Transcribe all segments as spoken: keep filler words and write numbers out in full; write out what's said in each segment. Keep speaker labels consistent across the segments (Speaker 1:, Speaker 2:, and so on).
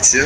Speaker 1: редакція.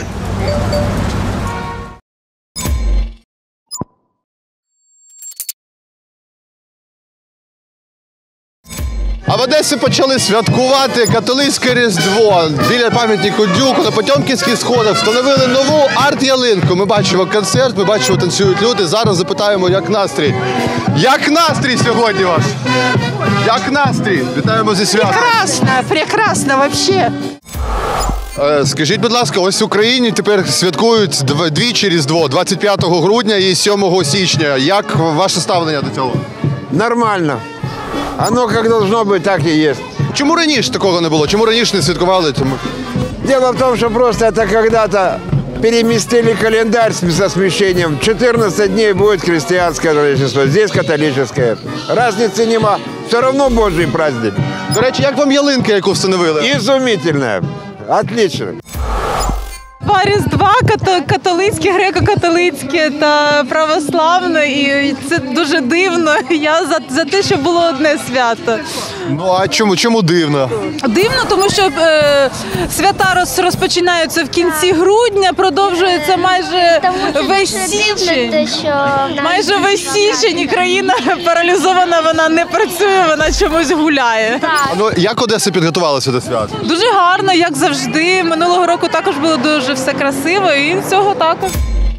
Speaker 2: А в Одесі почали святкувати католицьке Різдво. Біля пам'ятнику Дюку на Потьомкінських сходах встановили нову арт-ялинку. Ми бачимо концерт, ми бачимо, танцюють люди. Зараз запитаємо, як настрій. Як настрій сьогодні ваш? Як настрій? Вітаємо зі святом.
Speaker 3: Прекрасно, прекрасно вообще.
Speaker 2: Скажіть, будь ласка, ось в Україні тепер святкують двічі Різдво, двадцять п'ятого грудня і сьомого січня. Як ваше ставлення до цього?
Speaker 4: Нормально. Оно как должно быть, так и есть.
Speaker 2: Чому раніше такого не було? Чому раніше не святкували?
Speaker 4: Дело в том, что просто это когда-то переместили календарь со смещением. четырнадцать дней будет христианское Рождество, здесь католическое. Разницы нема. Все равно Божий праздник.
Speaker 2: До речі, як вам ялинка, яку встановили?
Speaker 4: Изумительная. Отлично.
Speaker 3: Два Різдва, католицьке, греко-католицьке та православне, і це дуже дивно. Я за, за те, щоб було одне свято.
Speaker 2: Ну а чому, чому дивно?
Speaker 3: Дивно, тому що е, свята роз, розпочинаються в кінці грудня, продовжується майже весь січень. Майже весь січень і країна паралізована, вона не працює, вона чомусь гуляє.
Speaker 2: А ну як Одеса підготувалася до свят?
Speaker 3: Дуже гарно, як завжди. Минулого року також було дуже все красиво, і цього також.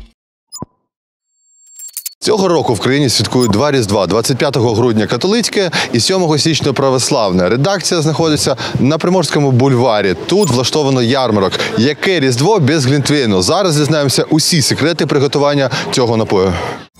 Speaker 2: Цього року в країні святкують два Різдва – двадцять п'ятого грудня католицьке і сьомого січня православне. Редакція знаходиться на Приморському бульварі. Тут влаштовано ярмарок. Яке Різдво без глінтвейну? Зараз дізнаємося усі секрети приготування цього напою.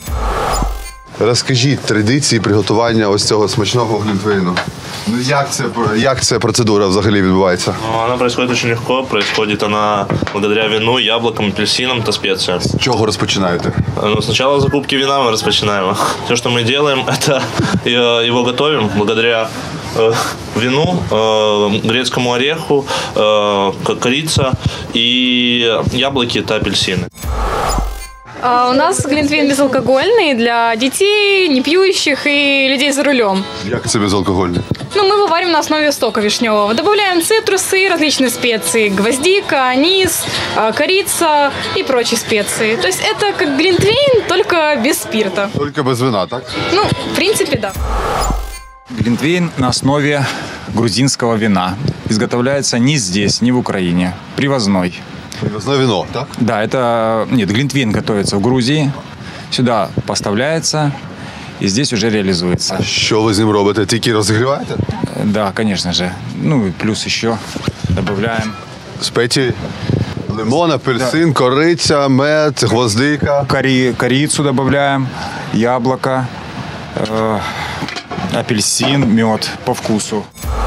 Speaker 2: Розкажіть традиції приготування ось цього смачного глінтвейну. Ну як це, як ця процедура взагалі відбувається?
Speaker 5: Она происходит очень легко. Происходит она благодаря вину, яблокам, апельсинам и специям.
Speaker 2: З чого розпочинаєте?
Speaker 5: Ну, сначала закупки вина мы распочинаем. Все, что мы делаем, это его готовим благодаря э, вину, э, грецкому ореху, э, корица и яблоки – это апельсины.
Speaker 6: А у нас глинтвейн безалкогольный для детей, не пьющих и людей за рулем.
Speaker 2: Як це безалкогольне?
Speaker 6: Ну, мы его варим на основе сока вишневого. Добавляем цитрусы, различные специи, гвоздика, анис, корица и прочие специи. То есть это как глинтвейн, только без спирта.
Speaker 2: Тільки без вина, так?
Speaker 6: Ну, в принципе, да.
Speaker 7: Глинтвейн на основе грузинского вина. Изготовляется не здесь, не в Украине. Привозной.
Speaker 2: Привозное вино, так?
Speaker 7: Да, это... Нет, глинтвейн готовится в Грузии. Сюда поставляется и здесь уже реализуется.
Speaker 2: А що ви з ним робите? Тільки розігріваєте?
Speaker 7: Да, конечно же. Ну и плюс еще добавляем...
Speaker 2: Спеції? Лимон, апельсин, да. Кориця, мед, гвоздика.
Speaker 7: Кори... Корицу добавляем, яблоко, э... апельсин, мед по вкусу.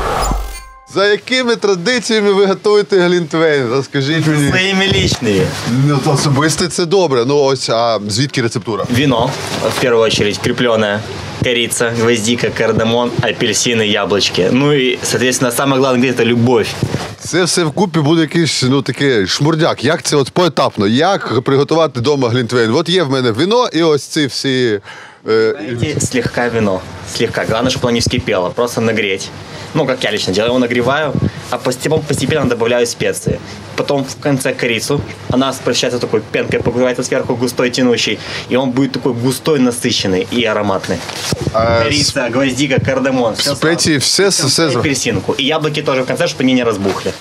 Speaker 2: За якими традиціями ви готуєте глінтвейн? Розкажіть мені.
Speaker 8: Своїми личными.
Speaker 2: Ну, то особисто це добре. Ну ось, а звідки рецептура?
Speaker 8: Вино, в первую очередь, крепленое. Корица, гвоздика, кардамон, апельсины, яблочки. Ну и, соответственно, самое главное, это любовь.
Speaker 2: Це все вкупі буде якийсь, ну, такий шмурдяк. Як це от поетапно? Як приготувати вдома глінтвейн? От є в мене вино і ось ці всі...
Speaker 8: Знаете, слегка вино. Слегка. Главное, чтобы оно не вскипело. Просто нагреть. Ну, как я лично делаю, его нагреваю, а постепенно, постепенно добавляю специи. Потом в конце корицу. Она превращается в такой пенкой, покрывается сверху густой, тянущий. И он будет такой густой, насыщенный и ароматный. А корица, с... гвоздика, кардамон. Все
Speaker 2: специи, все, все, все.
Speaker 8: И апельсинку. И яблоки тоже в конце, чтобы они не разбухли.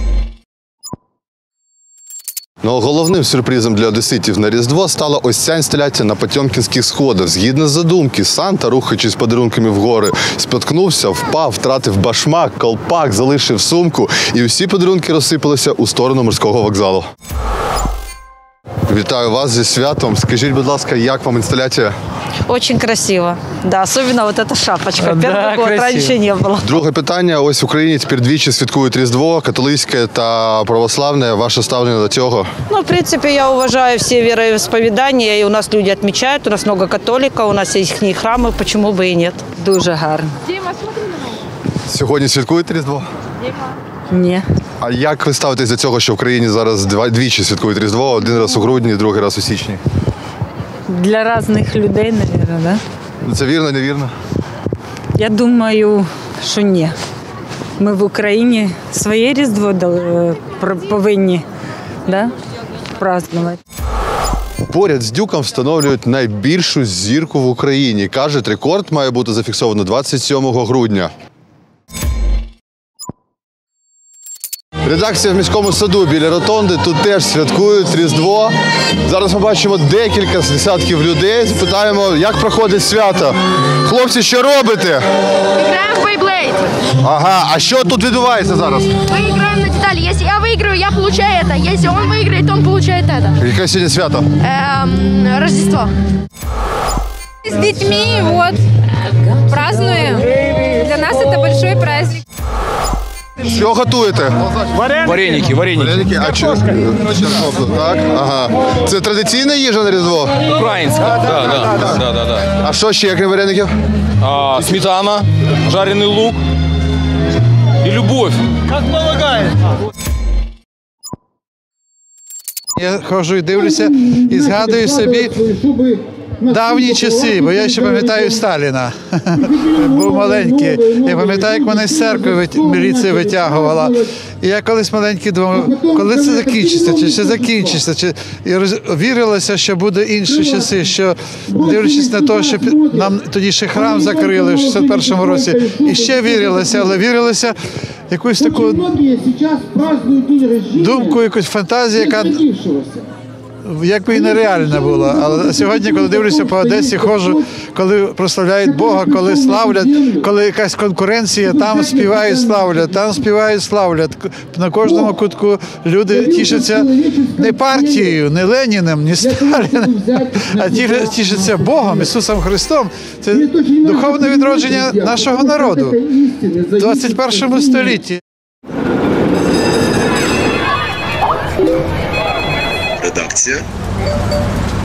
Speaker 2: Ну, головним сюрпризом для одеситів на Різдво стала ось ця інсталяція на Потьомкінських сходах. Згідно з задумки, Санта, рухаючись подарунками вгори, споткнувся, впав, втратив башмак, колпак, залишив сумку, і усі подарунки розсипалися у сторону морського вокзалу. Вітаю вас зі святом. Скажіть, будь ласка, як вам інсталяція?
Speaker 9: Очень красиво. Да, особенно вот эта шапочка. Первый
Speaker 3: да,
Speaker 9: год, раньше не было.
Speaker 2: Друге питання. Ось в Україні тепер двічі святкують Різдво, католицьке та православне. Ваше ставлення до цього?
Speaker 9: Ну, в принципе, я уважаю все вероисповедания, и у нас люди отмечают, у нас много католиков, у нас есть их храмы, почему бы и нет.
Speaker 10: Дуже гарно.
Speaker 2: Сьогодні святкуєте Різдво?
Speaker 10: Ні.
Speaker 2: А як ви ставитесь до цього, що в країні зараз два, двічі святкують Різдво, один раз у грудні, другий раз у січні?
Speaker 10: Для різних людей, мабуть, да?
Speaker 2: Це вірно, невірно?
Speaker 10: Я думаю, що ні. Ми в Україні своє Різдво повинні, да? праздновать.
Speaker 2: Поряд з Дюком встановлюють найбільшу зірку в Україні. Кажуть, рекорд має бути зафіксовано двадцять сьомого грудня. Редакція в міському саду біля ротонди. Тут теж святкують Різдво. Зараз ми бачимо декілька десятків людей. Запитаємо, як проходить свято. Хлопці, що робите?
Speaker 1: Играем в Beyblade.
Speaker 2: Ага, а що тут відбувається зараз?
Speaker 1: Мы играем на детали. Если я выиграю, я получаю это. Если он выиграет, он получает это.
Speaker 2: Яке сьогодні свято?
Speaker 1: Эм, Рождество.
Speaker 6: С детьми, вот, празднуем. Для нас это большой праздник.
Speaker 2: Що готуєте?
Speaker 11: Вареники, вареники.
Speaker 2: Вареники? А що? Так, ага. Це традиційна їжа на Різдво?
Speaker 11: Украинская. Да, да, да, да, да, да.
Speaker 2: А що ще, крім вареників?
Speaker 11: А, сметана, жареный лук и любовь. Как полагается.
Speaker 12: Я ходжу і дивлюся і згадую собі давні часи, бо я ще пам'ятаю Сталіна. Був маленький. Я пам'ятаю, як мене з церкви міліція витягувала. І я колись маленький думав, коли це закінчиться, чи ще закінчиться. Чи... І роз- вірилося, що буде інші часи, що дивлячись на те, що нам тоді ще храм закрили в шістдесят першому році, і ще вірилося, але вірилося якусь таку думку, якусь фантазію, яка якби і нереальна була. Але сьогодні, коли дивлюся по Одесі, ходжу, коли прославляють Бога, коли славлять, коли якась конкуренція, там співають, славлять, там співають, славлять. На кожному кутку люди тішаться не партією, не Леніним, не Сталіним, а тішаться Богом, Ісусом Христом. Це духовне відродження нашого народу в двадцять першому столітті.
Speaker 13: Редакція